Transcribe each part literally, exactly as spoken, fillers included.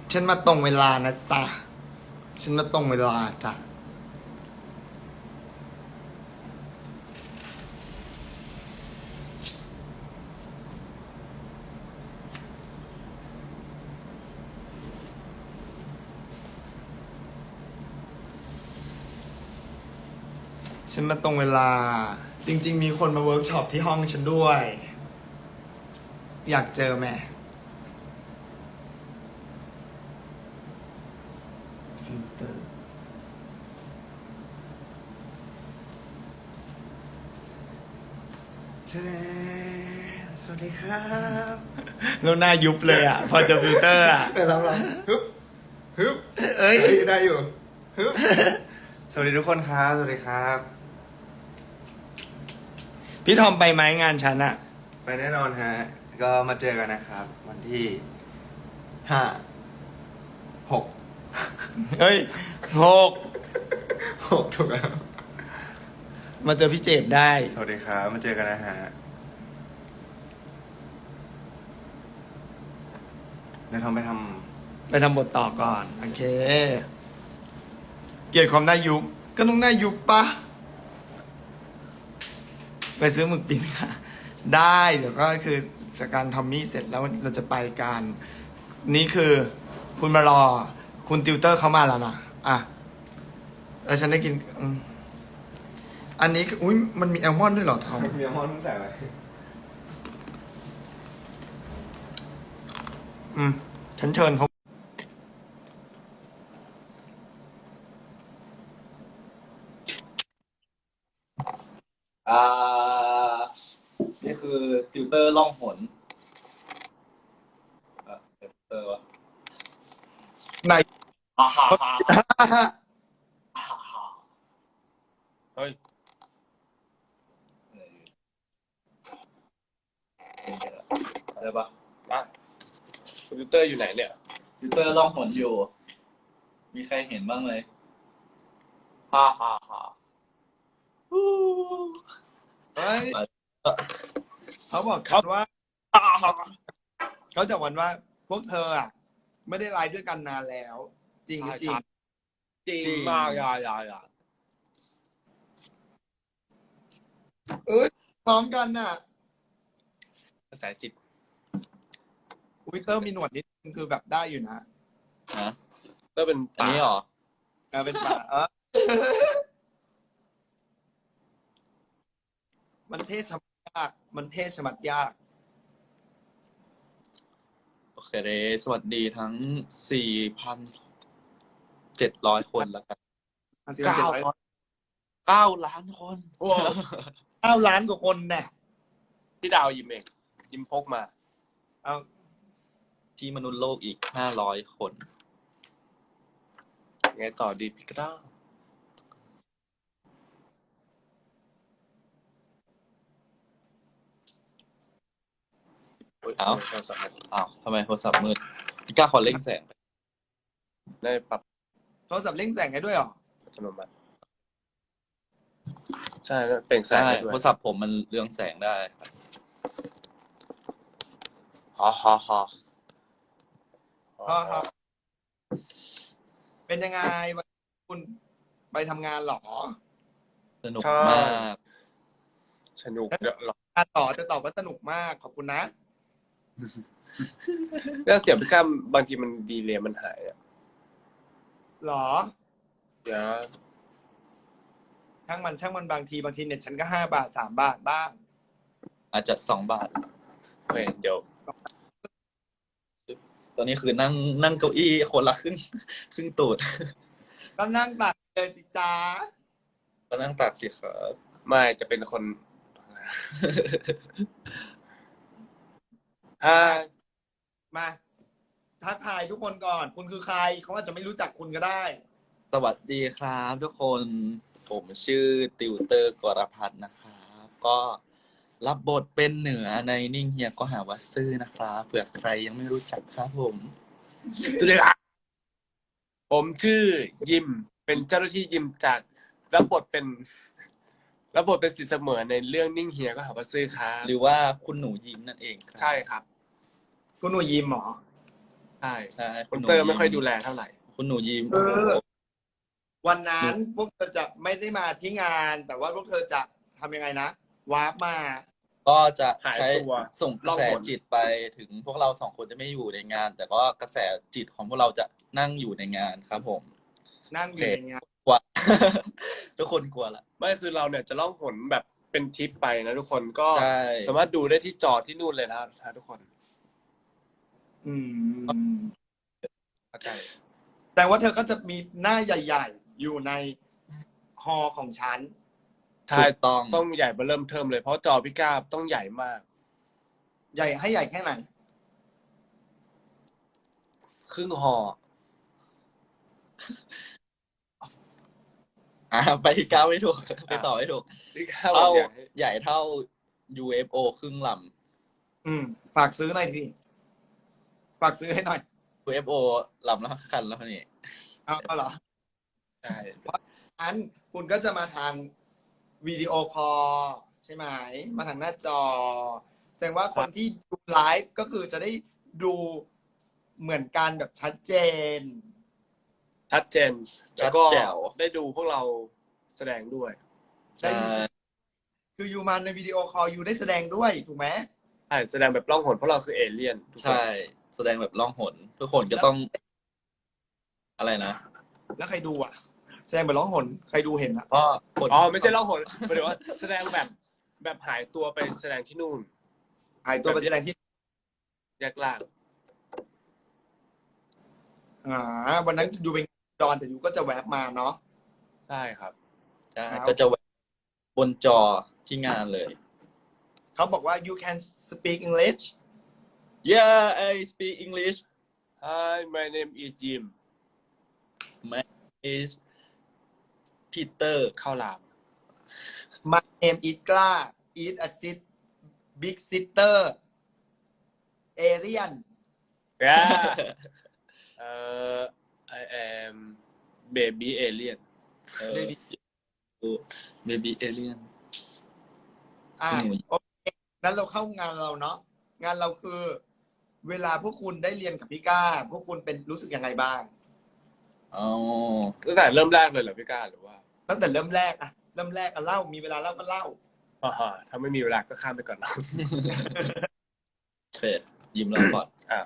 ฉันมาตรงเวลานะจ๊ะฉันมาตรงเวลาจ้ะฉันมาตรงเวลา จริงๆมีคนมาเวิร์กช็อปที่ห้องฉันด้วย อยากเจอไหมฟิลเตอร์ใช่สวัสดีครับแล้วหน้ายุบเลยอ่ะ พอเจอฟิลเตอร์อ่ะเดี๋ยวเราลองฮึบฮึบเอ้ยได้อยู่ฮึบสวัสดีทุกคนครับ สวัสดีครับพี่ทอมไปไหมงานฉันอะไปแน่นอนฮะ ก็มาเจอกันนะครับ วันที่ห้าหกเฮ้ยหกหกถูกแล้วมาเจอพี่เจดได้สวัสดีครับ มาเจอกันนะฮะเดี๋ยวทำไปทไปทำบทต่อก่อน โอเค เกลียดความหน้ายุบก็ต้องหน้ายุบปะไปซื้อหมึกปิ้นค่ะ ได้เดี๋ยวก็คือจากการทอมมี่เสร็จแล้วเราจะไปกัน นี่คือคุณมารอ คุณติวเตอร์เขามาแล้วนะอ่ะแล้วฉันได้กินอืมอันนี้คืออุ้ยมันมีแอลมอนด์ด้วยเหรอทอมำมีอัลมอนด์ต้องใส่ไว้อืม ฉันเชิญเขาอ่า นี่คือติวเตอร์ล่องหนอ่ะติวเตอร์วะไหนฮ่าฮ่าฮ่าฮ่าฮ่าเฮ้ยได้ปะอ่ะคอมพิวเตอร์อยู่ไหนเนี่ยติวเตอร์ล่องหนอยู่ มีใครเห็นบ้างไหมฮ่าฮ่าฮ่าฮู้เฮ้ยไปเขาบอกกันว่าฮ่าฮ่าเขาจะวันว่าพวกเธออ่ะ ไม่ได้ไลฟ์ด้วยกันนานแล้ว จริงหรือจริงจริงมากอย่าอย่าอย่าเอ้ยพร้อมกันน่ะกระแสจิตวิเตอร์มีหนวดนิดนึงคือแบบได้อยู่นะฮะก็เป็นอันป่านี้เหรอเออเป็นป่าเออมันเทศชะมัดยาก มันเทศชะมัดยากโอเคเดสวัสดีทั้ง สี่พันเจ็ดร้อย คนแล้วกันเก้าเก้าล้านคนโอ้เก้าล้านกว่าคนแน่พี่ดาวยิมเองยิมพกมาเอาที่มนุษย์โลกอีก ห้าร้อย คนไงต่อดีพี่กล้าเอ้า อ้าวทำไมโทรศัพท์มืดพี่กล้าขอเร่งแสงได้ปรับโทรศัพท์เร่งแสงให้ด้วยเหรออัตโนมัติใช่แล้วเปล่งแสงใช่ได้ด้วยโทรศัพท์ผมมันเรืองแสงได้ครับฮ่าฮ่าฮ่าพ่อครับ เป็นยังไงวันนี้คุณไปทำงานเหรอสนุกมากสนุกเดี๋ยวรออ่ะต่อจะตอบว่าสนุกมาก ขอบคุณนะแล้วเสียงพี่กล้าบางทีมันดีเลยมันหายอ่ะหรอเดี๋ยวช่างมันช่างมันบางทีบางทีเน็ตฉันก็ห้าบาทสามบาทบ้างอาจจะสองบาทเฮ้ยเดี๋ยวตอนนี้คือนั่งนั่งเก้าอี้คนละครึ่งครึ่งตูดก็นั่งตัดเลยสิจ้าก็นั่งตัดสิครับไม่จะเป็นคน อ่ามาทักทายทุกคนก่อน คุณคือใคร เขาอาจจะไม่รู้จักคุณก็ได้สวัสดีครับทุกคนผมชื่อติวเตอร์กรพัฒน์นะครับก็รับบทเป็นเหนือในนิ่งเฮียก็หาว่าซื่อนะครับเผื่อใครยังไม่รู้จักครับผมสวัสดีครับผมชื่อยิม เป็นเจ้าหน้าที่ยิมจากรับบทเป็นรับบทเป็นสิทธิ์เสมอในเรื่องนิ่งเฮียก็หาว่าซื่อครับหรือว่าคุณหนูยิ้มนั่นเองครับใช่ครับคุณหนูยิมเหรอใช่ใช่คุณเตอร์ไม่ค่อยดูแลเท่าไหร่คุณหนูยิ้มเออ วันนั้นพวกเธอจะไม่ได้มาที่งาน แต่ว่าพวกเธอจะทำยังไงนะวาร์ปมาก็จะหายใช้ตัวส่งกระแสล่องหนจิตไปถึงพวกเราสองคนจะไม่อยู่ในงาน แต่ก็กระแสจิตของพวกเราจะนั่งอยู่ในงานครับผมนั่งอยู่ในงานกลัว ทุกคนกลัวละไม่คือเราเนี่ยจะล่องหนแบบเป็นทริปไปนะทุกคนก็ใช่สามารถดูได้ที่จอที่นู่นเลยนะทุกคนอืมเข้าใจแต่ว่าเธอก็จะมีหน้าใหญ่ ๆ อยู่ในฮอลล์ของฉันใช่ถูกต้องต้องใหญ่เบอร์เริ่มเทิมเลยเพราะจอพี่ก้าต้องใหญ่มากใหญ่ให้ใหญ่แค่ไหนครึ่งหออ่าไปก้าวไม่ถูก ไปต่อไม่ถูกพี่ก้าบอเท่ากใหญ่ใหญ่เท่า ยู เอฟ โอ ครึ่งลอืม ฝากซื้อหน่อยสิฝากซื้อให้หน่อยำ ยู เอฟ โอ ลำละคันแล้วนี่เอาเอาเหรอใช่อันคุณก็จะมาทางวิดีโอคอลใช่ไหม มาทางหน้าจอ แสดงว่าคนที่ดูไลฟ์ก็คือจะได้ดูเหมือนกันแบบชัดเจนชัดเจน แล้วก็ชัดแจ๋วได้ดูพวกเราแสดงด้วยใช่ คืออยู่มาในวิดีโอคอลอยู่ได้แสดงด้วยถูกไหมใช่แสดงแบบล่องหนเพราะเราคือเอเลี่ยนทุกคนใช่ แสดงแบบล่องหน ทุกคนก็ต้อง อะไรนะแล้วใครดูอ่ะ แสดงแบบร้องหนใครดูเห็นอ่ะก็กดอ๋อไม่ใช่ล่องหนหมายถึงว่าแสดงแบบแบบหายตัวไปแสดงที่นู่นหายตัวไปแสดงที่แยกล่างอ่าวันนั้นดูเป็นดอนแต่อยู่ก็จะแวบมาเนาะใช่ครับใช่ครับก็จะบนจอที่งานเลยเขาบอกว่า you can speak English Yeah I speak English Hi my name is Jim My is Peter ข้าวหลาม my name is กล้า is a sit big sister alien Yeah uh, I am baby alien เออ Baby Alien อ่าอืมโอเคงั้นเราเข้างานเราเนาะงานเราคือ เวลาพวกคุณได้เรียนกับพี่ก้า พวกคุณเป็นรู้สึกยังไงบ้างอ๋อตั้งแต่เริ่มแรกเลยเหรอพี่ก้าหรือว่าตั้งแต่เริ่มแรกอะเริ่มแรกอะเล่ามีเวลาเล่าก็เล่าอ่าฮะถ้าไม่มีเวลาก็ข้ามไปก่อนเนาะเฟดยิ้มแล้วก่อนอ่า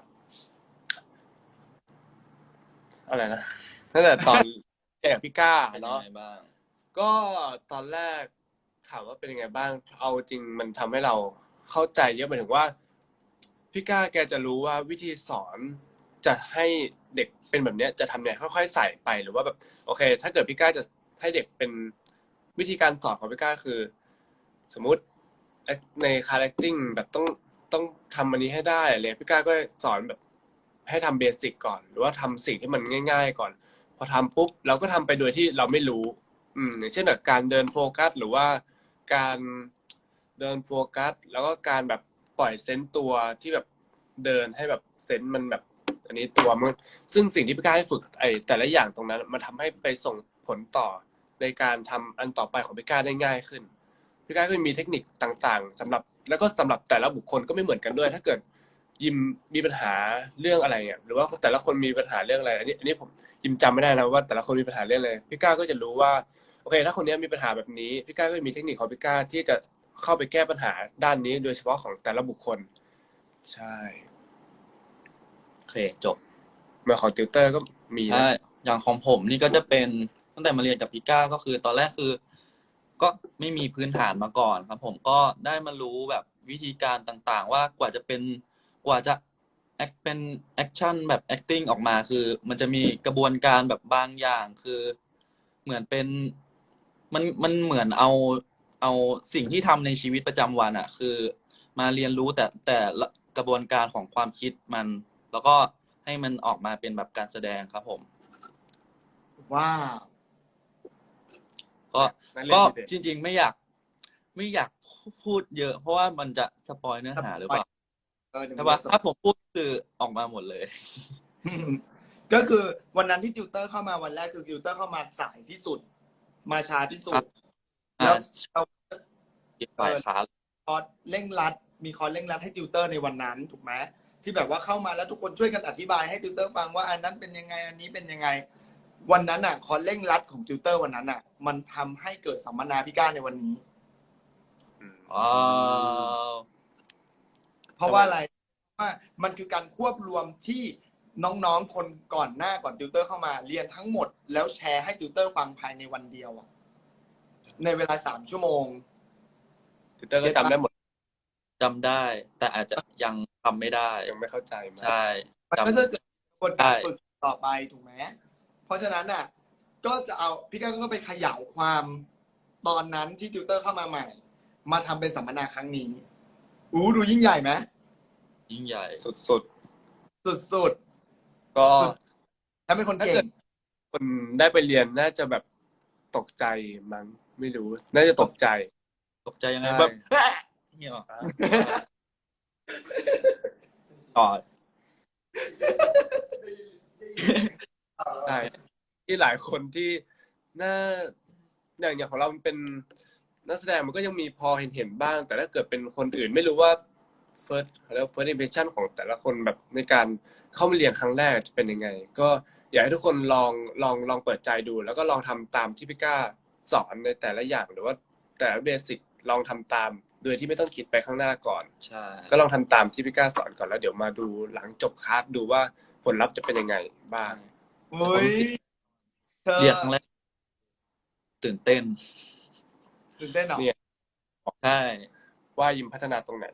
อะไรนะตั้งแต่ตอนแอบพี่ก้าเป็นยังเนาะไงบ้างก็ตอนแรกถามว่าเป็นยังไงบ้าง เอาจริงมันทำให้เราเข้าใจเยอะหมายถึงว่าพี่ก้าแกจะรู้ว่าวิธีสอนจะให้เด็กเป็นแบบเนี้ยจะทำเนี่ยค่อยๆใส่ไปหรือว่าแบบโอเค ถ้าเกิดพี่ก้าจะให้เด็กเป็นวิธีการสอนของพี่ก้าคือ สมมุติในคาแรคติ้งแบบต้องต้องทำอันนี้ให้ได้อะไรพี่ก้าก็สอนแบบให้ทำเบสิกก่อน หรือว่าทำสิ่งที่มันง่าย ๆ ก่อน พอทำปุ๊บเราก็ทำไปโดยที่เราไม่รู้ อืมอย่างเช่นแบบการเดินโฟกัสหรือว่าการเดินโฟกัสแล้วก็การแบบปล่อยเซนส์ตัวที่แบบเดินให้แบบเซนส์มันแบบ อันนี้ตัวมันซึ่งสิ่งที่พี่ก้าให้ฝึกไอ้แต่ละอย่างตรงนั้นมันทำให้ไปส่งผลต่อในการทำอันต่อไปของพี่ก้าได้ง่ายขึ้นพี่ก้าก็มีเทคนิคต่างๆสำหรับแล้วก็สำหรับแต่ละบุคคลก็ไม่เหมือนกันด้วย ถ้าเกิดยิมมีปัญหาเรื่องอะไรเนี่ยหรือว่าแต่ละคนมีปัญหาเรื่องอะไรอันนี้อันนี้ผมยิมจำไม่ได้นะว่าแต่ละคนมีปัญหาเรื่องอะไรพี่ก้าก็จะรู้ว่าโอเคถ้าคนนี้มีปัญหาแบบนี้พี่ก้าก็มีเทคนิคของพี่ก้าที่จะเข้าไปแก้ปัญหาด้านนี้โดยเฉพาะของแต่ละบุคคลใช่โอเคจบเมื่อของติวเตอร์ก็มีนะใช่อย่างของผมนี่ก็จะเป็นตั้งแต่มาเรียนกับพี่ก้าก็คือตอนแรกคือ ก็ไม่มีพื้นฐานมาก่อนครับ ผมก็ได้มารู้แบบวิธีการต่างๆ ว่ากว่าจะเป็นกว่าจะแอคเป็นแอคชั่นแบบ acting ออกมาคือ มันจะมีกระบวนการแบบบางอย่างคือ เหมือนเป็นมันมันเหมือนเอาเอาสิ่งที่ทำในชีวิตประจำวันอ่ะ คือมาเรียนรู้แต่แต่ละกระบวนการของความคิดมัน แล้วก็ให้มันออกมาเป็นแบบการแสดงครับผมว้าวก็นัเรียนก็ดีเด่นจริง ๆ ไม่อยาก ไม่อยากพูดเยอะ เพราะว่ามันจะสปอยเนื้อหาหรือเปล่าเออเดี๋ยวใช่มันปะจะถ้าผมพูดคือออกมาหมดเลยก็คือวันนั้นที่ติวเตอร์เข้ามาวันแรกคือติวเตอร์เข้ามาสายที่สุด มาช้าที่สุดอ่าแล้วเราฝ่ายขาคอร์สเร่งรัด มีคอร์สเร่งรัดให้ติวเตอร์ในวันนั้นถูกไหมที่แบบว่าเข้ามาแล้วทุกคนช่วยกันอธิบายให้ติวเตอร์ฟังว่าอันนั้นเป็นยังไงอันนี้เป็นยังไง วันนั้นอ่ะคอนเร่งรัดของติวเตอร์วันนั้นอ่ะ มันทำให้เกิดสัมมนาพี่ก้าในวันนี้อืมว้าวเพราะว่าอะไรว่ามันคือการควบรวมที่น้องๆคนก่อนหน้าก่อนติวเตอร์เข้ามาเรียนทั้งหมด แล้วแชร์ให้ติวเตอร์ฟังภายในวันเดียวอะในเวลาสามชั่วโมงติวเตอร์ก็จำได้หมดจำได้ แต่อาจจะยังทำไม่ได้ยังไม่เข้าใจมากใช่มันจำก็จะเกิดกระบวนการใช่ฝึกต่อไปถูกไหมเพราะฉะนั้นอ่ะ ก็จะเอาพี่ก้าก็ไปขยายความตอนนั้นที่ติวเตอร์เข้ามาใหม่ มาทำเป็นสัมมนาครั้งนี้อู้ดูยิ่งใหญ่ไหมยิ่งใหญ่สุดสุดๆ ก็ๆแล้วเป็นคนเก่ถ้าเกิงด คนได้ไปเรียนน่าจะแบบตกใจมั้งไม่รู้ น่าจะตกใจตกใจยังไงใช่แบบเงี้ยหรอต่อใช่ที่หลายคนที่น่าอย่างอย่างของเรามันเป็นนักแสดงมันก็ยังมีพอเห็นเห็นบ้าง แต่ถ้าเกิดเป็นคนอื่นไม่รู้ว่า first เขาเรียกว่า first impression ของแต่ละคนแบบในการเข้ามาเรียนครั้งแรกจะเป็นยังไง ก็อยากให้ทุกคนลองลองลองเปิดใจดู แล้วก็ลองทำตามที่พี่ก้าสอนในแต่ละอย่างหรือว่าแต่ละเบสิกลองทำตาม โดยที่ไม่ต้องคิดไปข้างหน้าก่อนใช่ก็ลองทำตามที่พี่ก้าสอนก่อนแล้วเดี๋ยวมาดูหลังจบคลาสดูว่าผลลัพธ์จะเป็นยังไงบ้างเฮ้ยเธอเรียนครั้งแรก ตื่นเต้นตื่นเต้นเหรอเนี่ยใช่ว่ายิมพัฒนาตรงไหน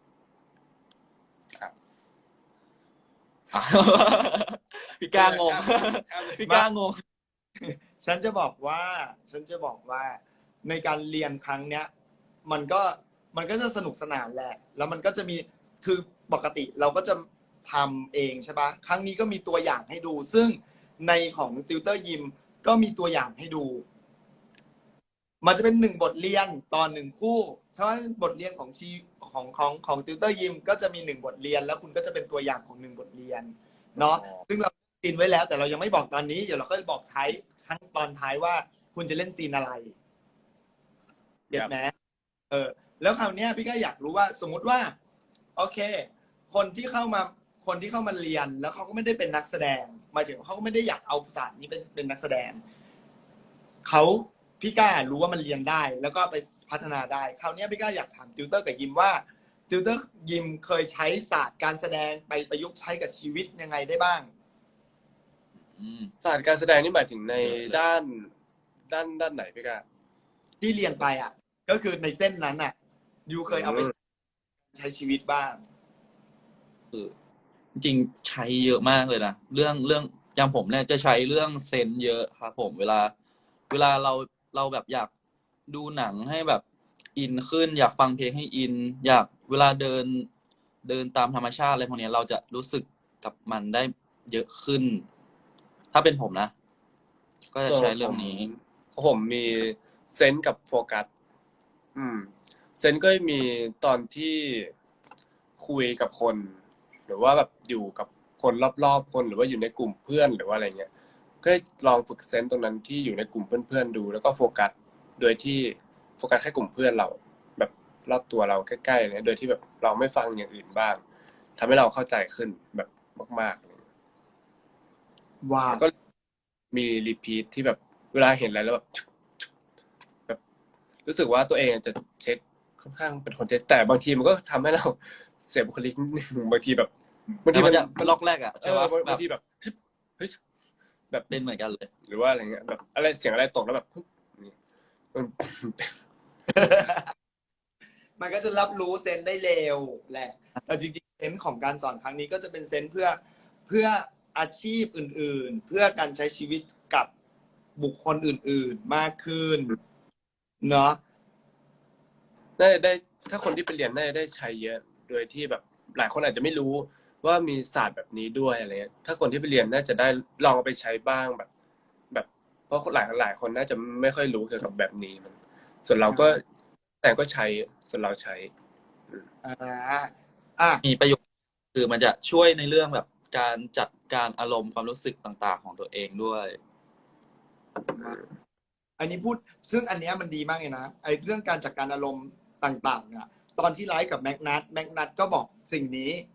พี่ก้างงข้ามเลยพี่ก้างงฉันจะบอกว่า ฉันจะบอกว่าในการเรียนครั้งเนี้ย มันก็มันก็จะสนุกสนานแหละ แล้วมันก็จะมีคือปกติเราก็จะทำเองใช่ปะครั้งนี้ก็มีตัวอย่างให้ดู ซึ่งในของติวเตอร์ยิมก็มีตัวอย่างให้ดู มันจะเป็นหนึ่งบทเรียนตอนหนึ่งคู่ฉะนั้นบทเรียนของชีของของของติวเตอร์ยิมก็จะมีหนึ่งบทเรียน แล้วคุณก็จะเป็นตัวอย่างของหนึ่งบทเรียนเนาะซึ่งเราซีนไว้แล้ว แต่เรายังไม่บอกตอนนี้เดี๋ยวเราก็จะบอกท้ายทั้งตอนท้ายว่าคุณจะเล่นซีนอะไรเก็ตไหมเออ แล้วคราวเนี้ยพี่ก็อยากรู้ว่าสมมุติว่า โอเค คนที่เข้ามาคนที่เข้ามาเรียน แล้วเขาก็ไม่ได้เป็นนักแสดงหมายถึงเขาก็ไม่ได้อยากเอาศาสตร์นี้เป็นเป็นนักแสดงเขาพี่ก้ารู้ว่ามันเรียนได้ แล้วก็ไปพัฒนาได้คราวนี้พี่ก้าอยากถามติวเตอร์กับยิมว่าติวเตอร์ยิมเคยใช้ศาสตร์การแสดงไปประยุกต์ใช้กับชีวิตยังไงได้บ้างอืมศาสตร์การแสดงนี่หมายถึงในด้านด้านด้านไหนพี่ก้าที่เรียนไปอ่ะ ก็คือในเส้นนั้นอ่ะยูเคยเอาไปใช้ชีวิตบ้างคือจริงๆใช้เยอะมากเลยนะเรื่องเรื่องอย่างผมเนี่ยจะใช้เรื่องเซนส์เยอะครับผมเวลา เวลาเราเราแบบอยากดูหนังให้แบบอินขึ้น อยากฟังเพลงให้อิน อยากเวลาเดินเดินตามธรรมชาติอะไรพวกเนี้ยเราจะรู้สึกกับมันได้เยอะขึ้น ถ้าเป็นผมนะ ก็จะใช้เรื่องนี้ผมผมมีเซนส์กับโฟกัส อืม เซนส์ก็มีตอนที่คุยกับคน หรือว่าแบบอยู่กับคนรอบๆคนหรือว่าอยู่ในกลุ่มเพื่อนหรือว่าอะไรเงี้ย ก็ลองฝึกเซนส์ตรงนั้นที่อยู่ในกลุ่มเพื่อนๆดู แล้วก็โฟกัส โดยที่โฟกัสแค่กลุ่มเพื่อนเรา แบบรอบตัวเราใกล้ๆเนี่ยโดยที่แบบเราไม่ฟังอย่างอื่นบ้างทำให้เราเข้าใจขึ้นแบบมากๆเลยว้าวก็มีรีพีทที่แบบเวลาเห็นอะไรแล้วแบบแบบรู้สึกว่าตัวเองจะเช็คค่อนข้างเป็นคนเช็คแต่บางทีมันก็ทำให้เราเสียบุคลิกนิดนึงบางทีแบบบางแต่ทีมัมัน นจะล็อกแรกอะเอใช่อปะบางแบบางทีแบบเฮ้ยแบบเป็นเหมือนกันเลยหรือว่าอะไรเงี้ยแบบอะไรเสียงอะไรตกแล้วแบบนี่มันมันก็จะรับรู้เซนส์ได้เร็วแหละ แต่จริงๆเซนส์ของการสอนครั้งนี้ก็จะเป็นเซนส์เพื่อเพื่ออาชีพอื่นๆ เพื่อการใช้ชีวิตกับบุคคลอื่นๆ มากขึ้น เนาะน่าจะได้ถ้าคนที่ไปเรียนน่าจะได้ใช้เยอะโดยที่แบบหลายคนอาจจะไม่รู้ว่ามีศาสตร์แบบนี้ด้วยอะไรเงี้ยถ้าคนที่ไปเรียนน่าจะได้ลองเอาไปใช้บ้างแบบ แบบเพราะหลายหลายคนน่าจะไม่ค่อยรู้เกี่ยวกับแบบนี้มันส่วนเราก็แต่ก็ใช้ส่วนเราใช้อ่าอ่ะมีประโยชน์คือมันจะช่วยในเรื่องแบบการจัดการอารมณ์ความรู้สึกต่างๆ ของตัวเองด้วยอันนี้พูดซึ่งอันเนี้ยมันดีมากเลยนะไอ้เรื่องการจัดการอารมณ์ต่างๆเนี่ยตอนที่ไลฟ์กับแม็กนัทแม็กนัทก็บอกสิ่งนี้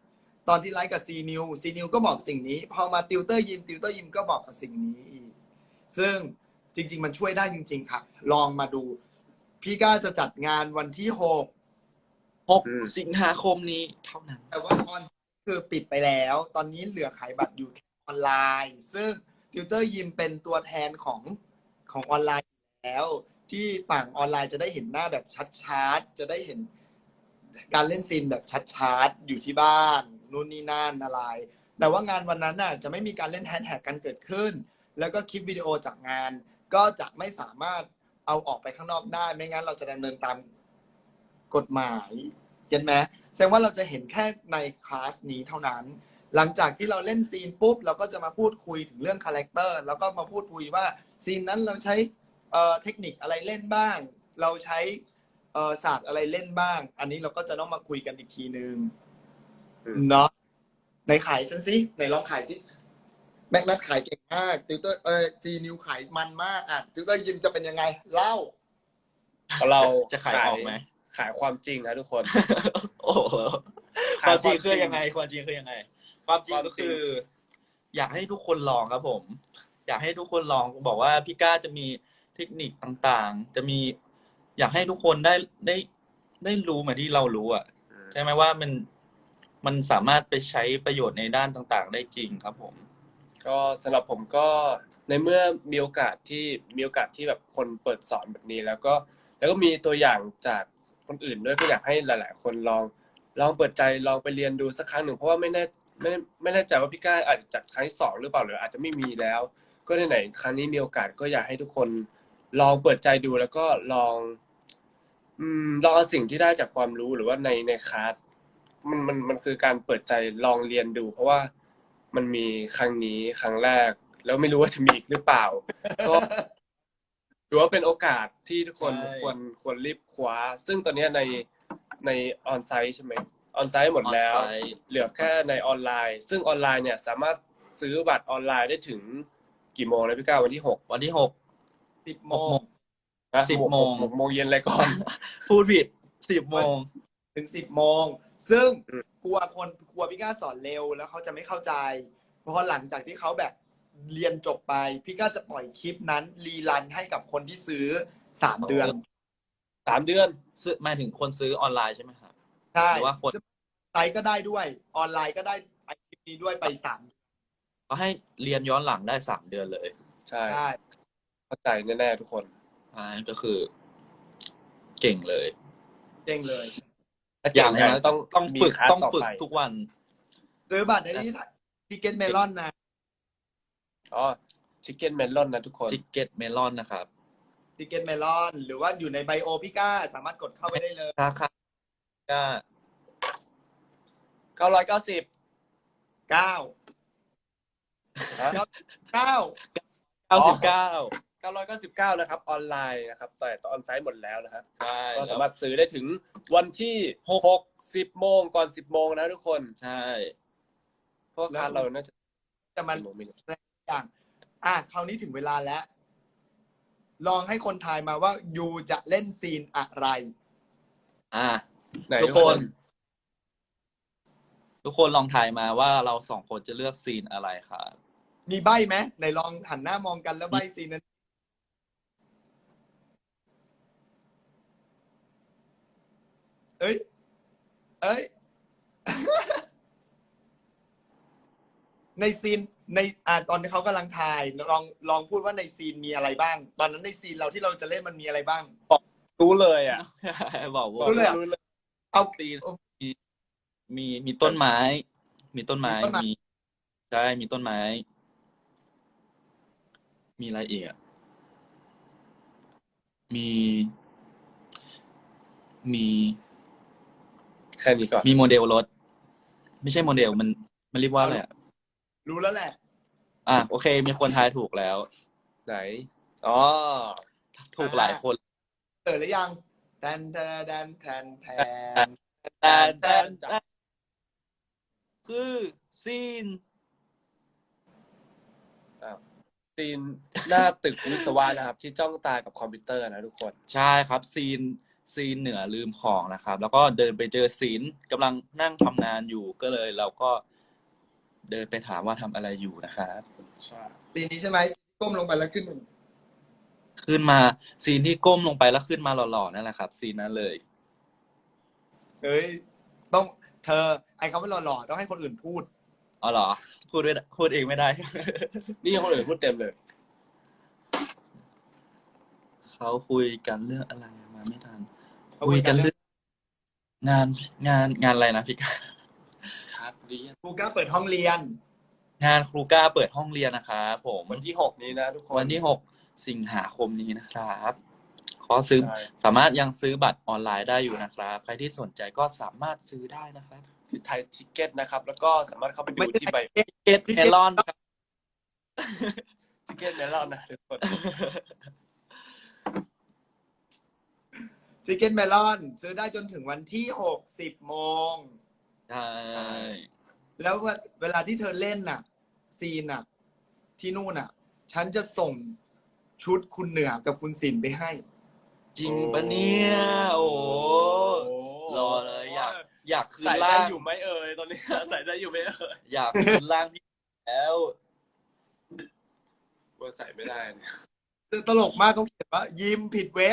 ตอนที่ไลฟ์กับซีนิวซีนิวก็บอกสิ่งนี้ พอมาติวเตอร์ยิมติวเตอร์ยิมก็บอกกับสิ่งนี้อีกซึ่งจริง ๆ มันช่วยได้จริง ๆ ค่ะ ลองมาดู พี่ก้าจะจัดงานวันที่หกหกอืมสิงหาคมนี้เท่านั้นแต่ว่าออนคือปิดไปแล้ว ตอนนี้เหลือขายบัตรอยู่แค่ออนไลน์ ซึ่งติวเตอร์ยิมเป็นตัวแทนของของออนไลน์แล้ว ที่ฝั่งออนไลน์จะได้เห็นหน้าแบบชัดๆจะได้เห็นการเล่นซีนแบบชัดๆอยู่ที่บ้านนู่นนี่นั่นอะไร แต่ว่างานวันนั้นน่ะจะไม่มีการเล่นแฮชแท็กกันเกิดขึ้น แล้วก็คลิปวิดีโอจากงาน ก็จะไม่สามารถเอาออกไปข้างนอกได้ ไม่งั้นเราจะดำเนินตามกฎหมายเห็นไหมแสดงว่าเราจะเห็นแค่ในคลาสนี้เท่านั้น หลังจากที่เราเล่นซีนปุ๊บเราก็จะมาพูดคุยถึงเรื่องคาแรคเตอร์แล้วก็มาพูดคุยว่าซีนนั้นเราใช้เอ่อเทคนิคอะไรเล่นบ้าง เราใช้เอ่อศาสตร์อะไรเล่นบ้าง อันนี้เราก็จะต้องมาคุยกันอีกทีนึงอืมเนาะในขายฉันสิในลองขายสิแม็กนัทขายเก่งมากติวเตอร์เออซีนิวขายมันมากอ่ะติวเตอร์ยิมจะเป็นยังไงเล่าเราจะขายออกไหมขายความจริงครับทุกคนโอ้โหคาม มขายวคจวามริงคือจริงยังไงความจริงคือยังไง ความจริงความจริงก็คือ อยากให้ทุกคนลองครับผม อยากให้ทุกคนลองบอกว่าพี่ก้าจะมีเทคนิคต่างๆ จะมี อยากให้ทุกคนได้ได้ได้รู้เหมือนที่เรารู้อ่ะ ใช่ไหมว่ามันมันสามารถไปใช้ประโยชน์ในด้านต่างๆ ได้จริงครับผมก็สำหรับผมก็ในเมื่อมีโอกาสที่มีโอกาสที่แบบคนเปิดสอนแบบนี้ แล้วก็แล้วก็มีตัวอย่างจากคนอื่นด้วยก็อยากให้หลาย ๆ คนลองลองเปิดใจลองไปเรียนดูสักครั้งหนึ่งเพราะว่าไม่แน่ไม่ไม่แน่ใจว่าพี่ก้าอาจจะจัดครั้งที่สองหรือเปล่าหรืออาจจะไม่มีแล้ว ก็ไหนๆครั้งนี้มีโอกาสก็อยากให้ทุกคนลองเปิดใจดูแล้วก็ลอง อืมลองเอาสิ่งที่ได้จากความรู้หรือว่าในในคลาสมันมันมันคือการเปิดใจลองเรียนดู เพราะว่ามันมีครั้งนี้ครั้งแรก แล้วไม่รู้ว่าจะมีอีกหรือเปล่า ก็ถือว่าเป็นโอกาสที่ทุกคนใช่ควรควรรีบคว้า ซึ่งตอนนี้ในในออนไซต์ใช่ไหมออนไซต์หมดแล้ว On-site เหลือแค่ในออนไลน์ ซึ่งออนไลน์เนี่ยสามารถซื้อบัตรออนไลน์ได้ถึงกี่โมงนะพี่ก้าววันที่หกวันที่หกสิบหโมกโมงงนะสิบโมงหกโมงเย็นเลยก่อนพูดผิดสิบโมงถึงสิบโมง ซึ่งอืมกลัวคนกลัวพี่ก้าสอนเร็วแล้วเขาจะไม่เข้าใจ เพราะหลังจากที่เขาแบบเรียนจบไป พี่ก้าจะปล่อยคลิปนั้นรีรันให้กับคนที่ซื้อสามเดือนสามเดือนซื้อหมายถึงคนซื้อออนไลน์ใช่ไหมครับใช่หรือว่าคนไซต์ก็ได้ด้วย ออนไลน์ก็ได้ไอคลิปนี้ด้วยไปสามก็ให้เรียนย้อนหลังได้สามเดือนเลยใช่ได้เข้าใจแน่ๆทุกคนอ่าก็คือ เก่งเลยเด้งเลยถ้าอเก่ย่าง งกันั้น นต้ต้ออง งต้องมีฝึกคลาสต้องต่อฝึกไปทุกวันซื้อบัตรในที่ทิเก็ตเมลอนนะอ๋อชิคเก้นเมลอนนะทุกคนจิกเก็ตเมลอนนะครับทิเก็ตเมลอนหรือว่าอยู่ในไบโอพี่ก้าสามารถกดเข้าไปได้เลยราคาก็เก้าร้อยเก้าสิบเก้าฮะเก้าเก้าสิบเก้าเก้าร้อยเก้าสิบเก้านะครับออนไลน์นะครับแต่ออนไซต์หมดแล้วนะครับใช่ก็แล้สาว มารถซื้อได้ถึงวันที่หก สิบโมงก่อนสิบโมงนะทุกคนใช่เพราะคลาสเราน่าจะจะมันกี่โมงไม่รู้อย่างอ่ะคราวนี้ถึงเวลาแล้ว ลองให้คนทายมาว่ายูจะเล่นซีนอะไรอ่าไหนทุกคน ทุกคนลองทายมาว่าเราสองคนจะเลือกซีนอะไรครับมีใบไหมไหนลองหันหน้ามองกันแล้วใบซีนนั้น เอ้ย เอ้ย ในซีนในอ่าตอนที่เขากำลังถ่ายลองลองพูดว่าในซีนมีอะไรบ้าง ตอนนั้นในซีนเราที่เราจะเล่นมันมีอะไรบ้างรู้เลยอ่ะบอกว่ารู้เลยอะรู้เลยเอาซีนมีมีมีต้นไม้ มีต้นไม้มีต้นไม้มีใช่มีต้นไม้ มีอะไรอีกอ่ะมี มีแค่นี้ก่อนมีโมเดลรถ ไม่ใช่โมเดลมันมันเรียกว่าอะไรอ่ะรู้แล้วแหละอ่ะโอเค มีคนทายถูกแล้วไหนอ๋อถูกหลายคนเออหรือยังแทนแทนแทนแทนแทนแต่แต่แต่คือซีนซีนหน้าตึกวิศวะนะครับ ที่จ้องตากับคอมพิวเตอร์นะทุกคนใช่ครับซีนซีนเหนือลืมของนะครับ แล้วก็เดินไปเจอศิลป์กำลังนั่งทำงานอยู่ก็เลยเราก็เดินไปถามว่าทำอะไรอยู่นะครับใช่ซีนนี้ใช่ไหมก้มลงไปแล้วขึ้นมาขึ้นมาซีนที่ก้มลงไปแล้วขึ้นมาหล่อๆนั่นแหละครับซีนนั้นเลยเฮ้ยต้องเธอไอ้คำว่าหล่อๆต้องให้คนอื่นพูดอ๋อเหรอพูดไม่ได้พูดเองไม่ได้นี่คนอื่นพูดเต็มเลยเขาคุยกันเรื่องอะไรมาไม่ทันเขาคุคุยยกักันนเรื่เรื่ออง งงานงานงานอะไรนะพี่กาคัดเรียนครูก้าเปิดห้องเรียนงานครูก้าเปิดห้องเรียนนะครับผมวันที่หกนี้นะทุกคนวันที่หกสิงหาคมนี้นะครับขอซื้อใช่สามารถยังซื้อบัตรออนไลน์ได้อยู่นะครับ ใครที่สนใจก็สามารถซื้อได้นะครับที่ไทยทิเก็ตนะครับ แล้วก็สามารถเข้าไปดูไม่ใช่ที่ใบเกตเมลอนครับทิเก็ตเมลอนนะทุกคนชิคเก้นเมลอนซื้อได้จนถึงวันที่หกสิบโมงใช่แล้วเวลาที่เธอเล่นน่ะ ซีนน่ะ ที่นู่นน่ะ ฉันจะส่งชุดคุณเหนือกับคุณสินไปให้จริงปะเนี่ยโอ้โหรอเลยอยากอยากคืนใส่ได้ร่างอยู่ไหมเอ่ยตอนนี้ ใส่ได้อยู่ไหมเอ่ยอยากคืนร่างพี่แล้วว่าใส่ไม่ได้เนี่ยตลกมากเขาเขียนว่า ยิ้มผิดเว็บ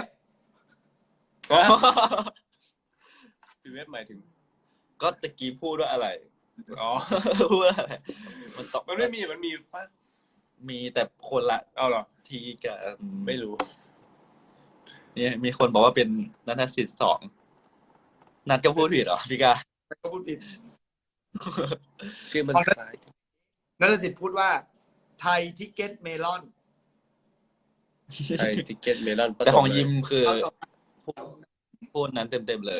พี่เว็บหมายถึงก็ตะกี้พูดว่าอะไรอ๋อพูดว่าอะไรมันตอบมันไม่มีมันมีป่ะมีแต่คนละเอาเหรอทีกับไม่รู้เนี่ยมีคนบอกว่าเป็นนัทสิทธิ์สองนัดก็พูดผิดเหรอพี่กาก็พูดผิดชื่อมันอ๋อคล้ายนัทสิทธิ์พูดว่า ไทยทิเก็ตเมลอนไทยทิเก็ตเมลอนแต่ของยิมคือเอาต่อพูดนั้นเต็มๆเลย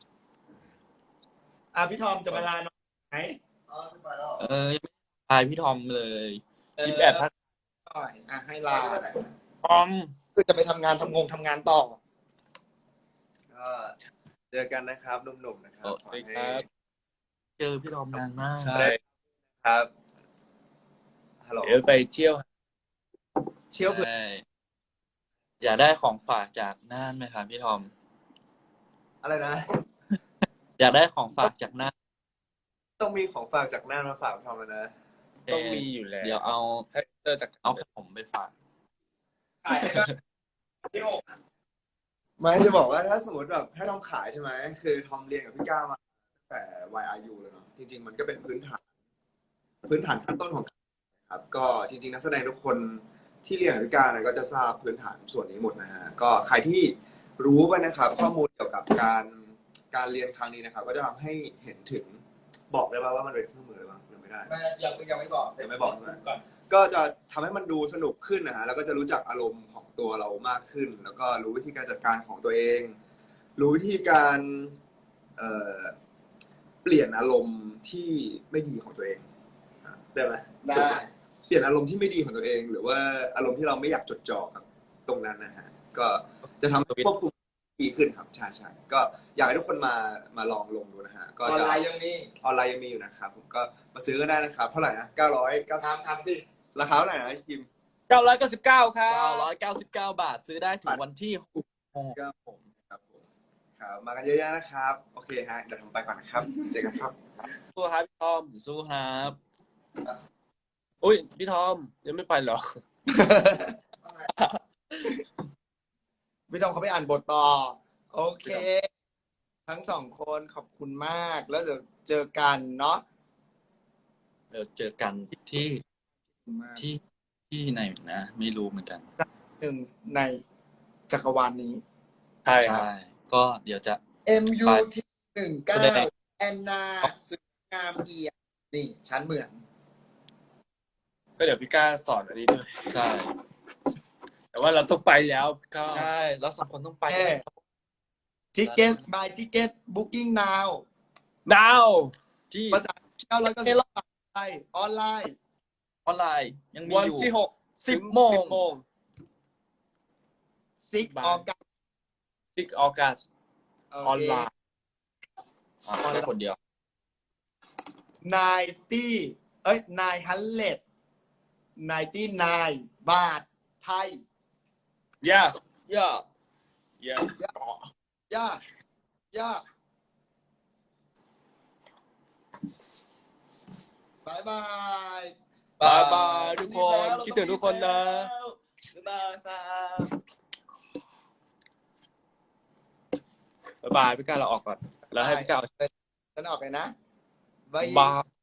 อ่ะพี่ทอมจะมาลาน้องไหนเออยังไม่ทายพี่ทอมเลยยิมแอบทักหน่อยอ่ะให้ลาทอมคือจะไปทำงานทำงงทำงานต่อก็เจอกันนะครับหนุ่มๆนะครับสวัสดีครับเจอพี่ทอมนานมากใช่ครับฮัลโหลเดี๋ยวไปเที่ยวเชี่ยวเผื่อใช่อยากได้ของฝากจากน่านไหมครับพี่ทอมอะไรนะอยากได้ของฝากจากน่านต้องมีของฝากจากน่านมาฝากทอมแล้วนะต้องมีอยู่แล้วเดี๋ยวเอาให้เตอร์จากเอาขนมไปฝากขายให้ก็ที่หกไม่จะบอกว่าถ้าสมมติแบบถ้าทอมขายใช่ไหมคือทอมเรียนกับพี่ก้ามาตั้งแต่ วาย อาร์ ยู เลยเนาะจริงๆมันก็เป็นพื้นฐาน พื้นฐานขั้นต้นของการครับก็จริงๆนักแสดงทุกคนที่เรียนกับพี่ก้าเนี่ยก็จะทราบพื้นฐานส่วนนี้หมดนะฮะก็ใครที่รู้ไปนะครับ ข้อมูลเกี่ยวกับการการเรียนครั้งนี้นะครับ ก็จะทำให้เห็นถึงบอกได้ป่าว่ามันเป็นเครื่องมืออะไรบ้างหรือไม่ได้ไม่ยังยังไม่บอกยังไม่บอกใช่ไหมก่อนก็จะทำให้มันดูสนุกขึ้นนะฮะ แล้วก็จะรู้จักอารมณ์ของตัวเรามากขึ้น แล้วก็รู้วิธีการจัดการของตัวเอง รู้วิธีการเอ่อเปลี่ยนอารมณ์ที่ไม่ดีของตัวเองอ่ะได้ไหมได้เปลี่ยนอารมณ์ที่ไม่ดีของตัวเอง หรือว่าอารมณ์ที่เราไม่อยากจดจ่อกับตรงนั้นนะฮะ ก็จะทำให้ควบคุมดีขึ้นครับ ใช่ใช่ก็อยากให้ทุกคนมามาลองลงดูนะฮะ ก็ออนจะไลน์ยังมีออนไลน์ยังมีอยู่นะครับผมก็มาซื้อก็ได้นะครับ เท่าไหร่นะเก้าร้อยเก้าทำทำสิราคาเท่าไหร่นะคิมเก้าร้อยเก้าสิบเก้าครับเก้าร้อยเก้าสิบเก้าบาทซื้อได้ถึงวันที่หกครับผมครับผมครับมากันเยอะๆนะครับ โอเคฮะเดี๋ยวผมไปก่อนนะครับ เจอกันครับตัวครับพี่ทอมสู้ครับอุ้ยพี่ทอมยังไม่ไปเหรอพี่ทอมเขาไปอ่านบทต่อ โอเค ทั้งสองคนขอบคุณมาก แล้วเดี๋ยวเจอกันเนาะเดี๋ยวเจอกันที่ขอบคุณมากที่ที่ไหนนะ ไม่รู้เหมือนกันหนึ่งในจักรวาลนี้ใช่ครับใช่ ก็เดี๋ยวจะเอ็ม ยู ที หนึ่งเก้าแสดงแอนนาสวยงามเอียดนี่ ฉันเหมือนก็เดี๋ยวพี่ก้าสอนอันนี้ด้วยใช่แต่ว่าเราต้องไปแล้วก็ใช่แล้วสองคนต้องไปเอ๊ะ Ticket by Ticket Booking now ดาวที่ภาษาเก้าร้อยเก้าสิบเก้าบาทไทยออนไลน์ออนไลน์ยังมีวันอยู่ที่หกสิบโมงสิบโมงซิกบาทออกัสสิบออกัสออนไลน์อ่าแค่คนเดียวนายตี้เอ้ยนายฮันเลดนายตี้นายบาทไทยย่าย่าย่าย่าย่าบายบายบายบายทุกคนคิดถึงทุกคนนะบ๊ายบายครับบ๊ายบายพี่ก้าเราออกก่อนแล้วให้พี่ก้าเอาฉันออกเลยนะบายบาย